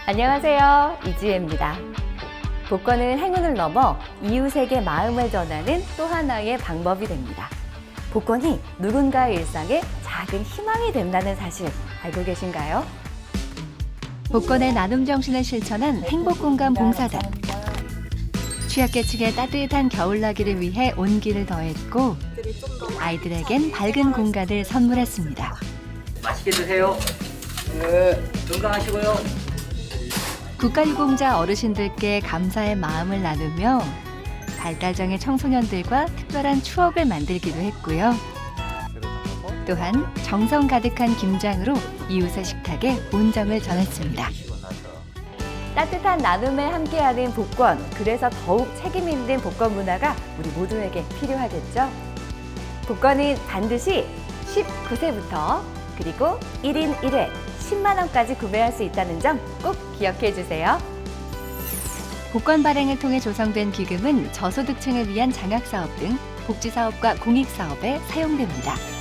안녕하세요. 이지혜입니다. 복권은 행운을 넘어 이웃에게 마음을 전하는 또 하나의 방법이 됩니다. 복권이 누군가의 일상에 작은 희망이 된다는 사실 알고 계신가요? 복권의 나눔 정신을 실천한 행복공감 봉사단. 취약계층의 따뜻한 겨울나기를 위해 온기를 더했고 아이들에겐 밝은 공간을 선물했습니다. 맛있게 드세요. 건강하시고요. 국가유공자 어르신들께 감사의 마음을 나누며 발달장애 청소년들과 특별한 추억을 만들기도 했고요. 또한 정성 가득한 김장으로 이웃의 식탁에 온정을 전했습니다. 따뜻한 나눔에 함께하는 복권, 그래서 더욱 책임 있는 복권 문화가 우리 모두에게 필요하겠죠? 복권은 반드시 19세부터 그리고 1인 1회 10만 원까지 구매할 수 있다는 점 꼭 기억해 주세요. 복권 발행을 통해 조성된 기금은 저소득층을 위한 장학사업 등 복지사업과 공익사업에 사용됩니다.